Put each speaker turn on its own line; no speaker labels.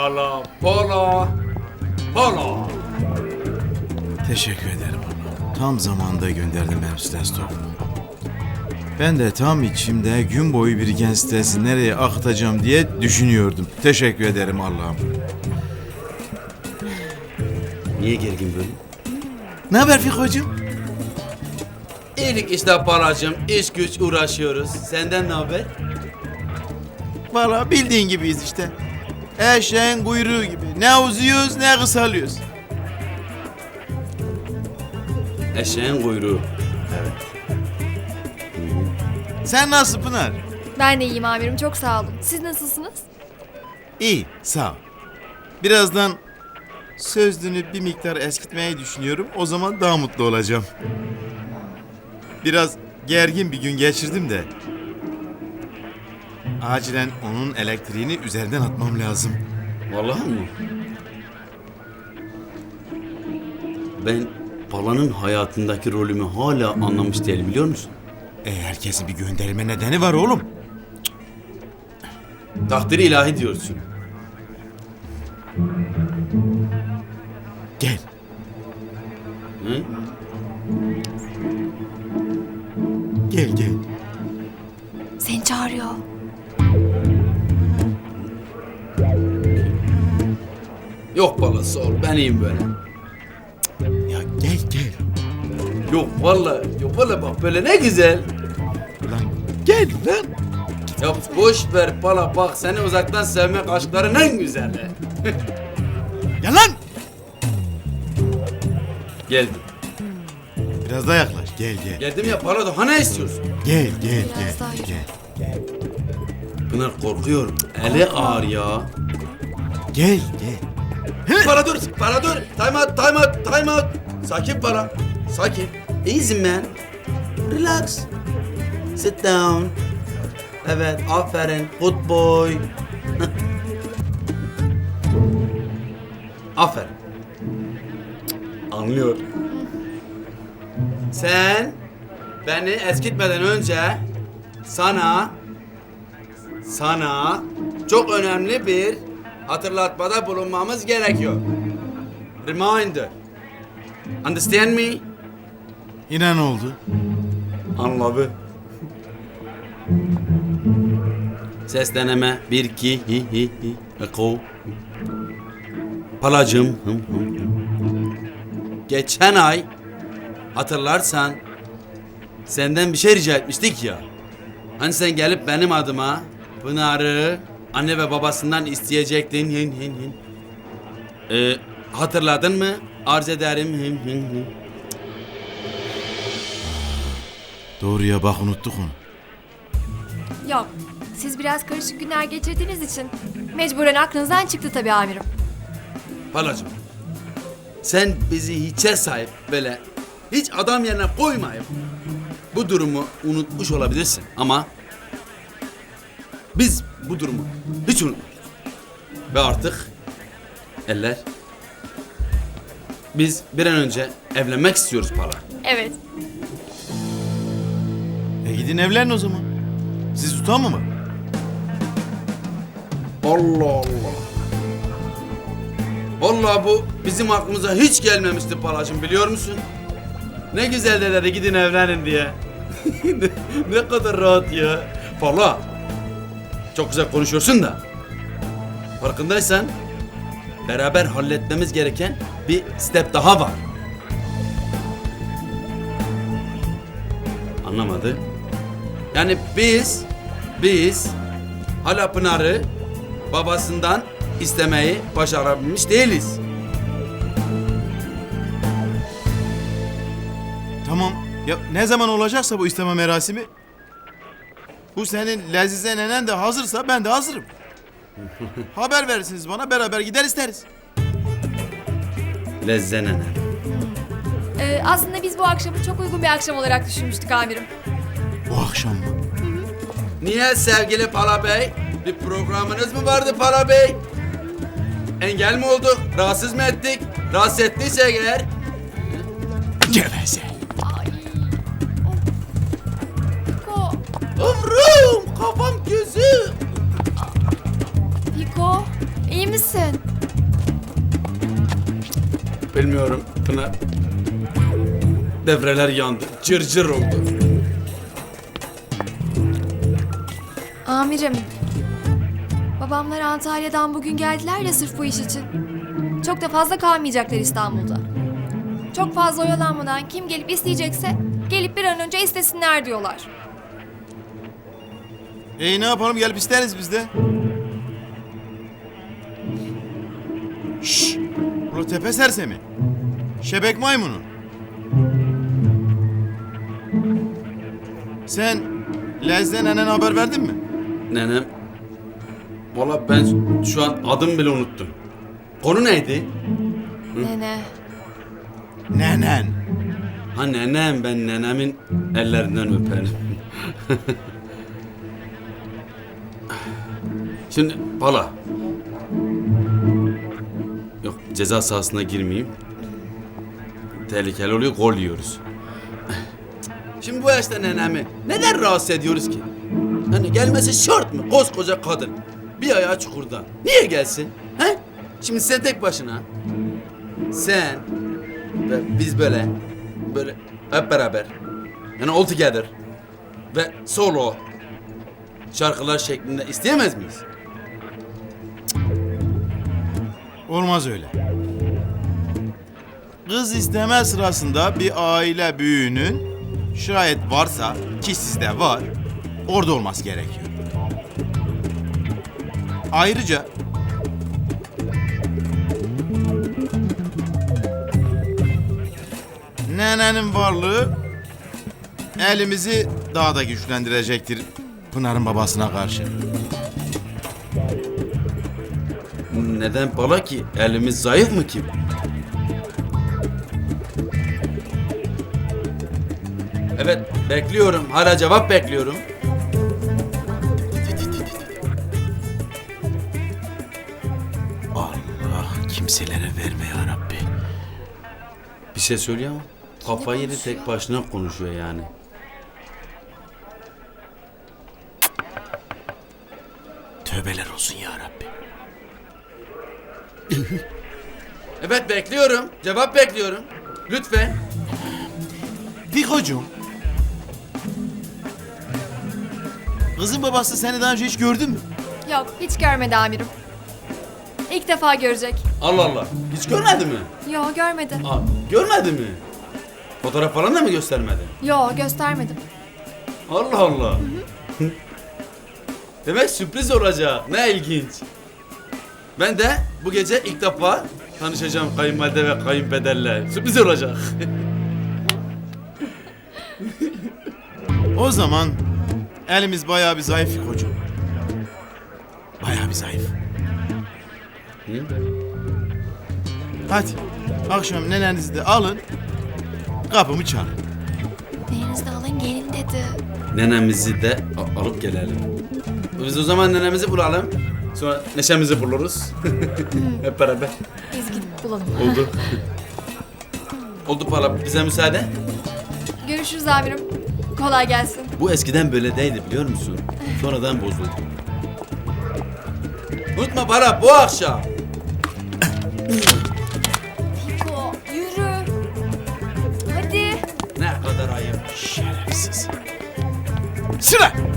Pala, pala, pala.
Teşekkür ederim Allah. Tam zamanında gönderdim benim stres topumu. Ben de tam içimde gün boyu biriken stresi nereye akıtacağım diye düşünüyordum. Teşekkür ederim Allah'ım.
Niye gergin böyle?
Ne haber Fiko'cum?
İyilik işte palacığım, iş güç uğraşıyoruz. Senden ne haber?
Valla bildiğin gibiyiz işte. Eşeğin kuyruğu gibi. Ne uzuyoruz ne kısalıyoruz.
Eşeğin kuyruğu.
Sen nasıl Pınar?
Ben de iyiyim amirim, çok sağ olun. Siz nasılsınız?
İyi, sağ ol. Birazdan sözlüğünü bir miktar eskitmeyi düşünüyorum. O zaman daha mutlu olacağım. Biraz gergin bir gün geçirdim de. Acilen onun elektriğini üzerinden atmam lazım.
Vallahi mı? Ben Pala'nın hayatındaki rolümü hala anlamış değilim, biliyor musun?
Herkesin bir gönderme nedeni var oğlum.
Takdiri ilahi diyorsun.
Gel.
Hı?
Gel gel.
Seni çağırıyor.
Yok Pala, sağ ol, ben iyiyim böyle.
Ya gel gel.
Yok vallahi bak böyle ne güzel.
Lan gel lan.
Ya boş ver Pala, bak seni uzaktan sevmek aşkların en güzeli.
Gel lan.
Geldim.
Biraz daha yaklaş. Gel gel.
Geldim ya Pala, daha ne istiyorsun?
Gel gel
Biraz daha
gel.
yürü.
Gel.
Pınar korkuyorum. Eli ağır ya.
Gel gel.
Pala dur. Time out. Sakin Pala. Sakin. Easy man. Relax. Sit down. Evet, aferin. Good boy. Aferin. Anlıyor. Sen beni eskitmeden önce sana çok önemli bir hatırlatmada bulunmamız gerekiyor. Reminder. Understand me?
Yine ne oldu?
Anladı. Ses deneme. 1, 2, hi. Eko. Palacığım. Hım. Geçen ay hatırlarsan senden bir şey rica etmiştik ya. Hani sen gelip benim adıma Pınar'ı anne ve babasından isteyecektin. Hatırladın mı? Arz ederim.
Doğru ya bak unuttuk onu.
Yok, siz biraz karışık günler geçirdiğiniz için mecburen aklınızdan çıktı tabii amirim.
Palacığım, sen bizi hiçe sahip böyle hiç adam yerine koymayıp bu durumu unutmuş olabilirsin ama biz bu durumu hiç unutmadık. Ve artık eller biz bir an önce evlenmek istiyoruz Pala.
Evet.
Gidin evlenin o zaman. Siz utanma mı?
Allah Allah. Vallahi bu bizim aklımıza hiç gelmemişti Palacığım, biliyor musun? Ne güzel dedi gidin evlenin diye. ne kadar rahat ya. Pala. Çok güzel konuşuyorsun da. Farkındaysan beraber halletmemiz gereken bir step daha var. Anlamadı. Yani biz hala Pınar'ı babasından istemeyi başarabilmiş değiliz.
Tamam. Ya ne zaman olacaksa bu isteme merasimi. Bu senin Lezize nenen de hazırsa ben de hazırım. Haber verirsiniz bana, beraber gider isteriz.
Lezzenene.
Aslında biz bu akşamı çok uygun bir akşam olarak düşünmüştük amirim.
Bu akşam mı?
Niye sevgili Pala Bey? Bir programınız mı vardı Pala Bey? Engel mi olduk? Rahatsız mı ettik? Rahatsız ettiysek eğer...
Geveze.
Piko,
Ömrüm, kafam gözüm.
Piko, iyi misin?
Bilmiyorum Pınar. Devreler yandı. Cırcır oldu.
Amirim. Babamlar Antalya'dan bugün geldiler ya sırf bu iş için. Çok da fazla kalmayacaklar İstanbul'da. Çok fazla oyalanmadan kim gelip isteyecekse gelip bir an önce istesinler diyorlar.
Ne yapalım, gelip isteriz biz de. Şşş! Ula tepe sersemi. Şebek maymunu. Sen Lez'den nenene haber verdin mi?
Nenem. Valla ben şu an adım bile unuttum. Konu neydi?
Nene.
Nenen.
Ha nenem, ben nenemin ellerinden öperim. Şimdi Pala. Yok, ceza sahasına girmeyeyim. Tehlikeli oluyor, gol yiyoruz. Şimdi bu yaşta nenemi neden rahatsız ediyoruz ki? Hani gelmesi şart mı? Koskoca kadın. Bir ayağı çukurda. Niye gelsin? He? Şimdi sen tek başına. Sen ve biz böyle hep beraber. Yani all together. Ve solo şarkılar şeklinde isteyemez miyiz?
Olmaz öyle. Kız isteme sırasında bir aile büyüğünün şayet varsa, ki sizde var, orada olması gerekiyor. Ayrıca nenenin varlığı elimizi daha da güçlendirecektir Pınar'ın babasına karşı.
Neden Pala ki? Elimiz zayıf mı ki? Evet, bekliyorum. Hala cevap bekliyorum.
Allah kimselere verme ya Rabbi.
Bir şey söylüyor ama kafayı yedi, tek başına konuşuyor yani.
Tövbeler olsun ya Rabbi.
Evet, bekliyorum. Cevap bekliyorum. Lütfen.
Fikocuğum. Kızın babası seni daha önce hiç gördü mü?
Yok hiç görmedi amirim. İlk defa görecek.
Allah Allah. Hiç görmedi mi?
Yok görmedi.
Aa, görmedi mi? Fotoğraf falan da mı göstermedi?
Yok göstermedim.
Allah Allah. Demek sürpriz olacak. Ne ilginç. Ben de bu gece ilk defa tanışacağım kayınvalide ve kayınpederle. Sürpriz olacak.
O zaman elimiz bayağı bir zayıf Fikocuğum. Bayağı bir zayıf. Hadi akşam nenenizi de alın, kapımı çalın.
Neyinizi de alın gelin dedi.
Nenemizi de alıp gelelim. Biz o zaman nenemizi bulalım. Sonra neşemizi buluruz. Hep beraber.
Biz gidip bulalım.
Oldu. Oldu Pala. Bize müsaade.
Görüşürüz amirim. Kolay gelsin.
Bu eskiden böyle değildi biliyor musun? Sonradan bozuldu. Unutma Pala, bu akşam.
Fiko yürü. Hadi.
Ne kadar ayıp.
Şerefsiz. Sıra!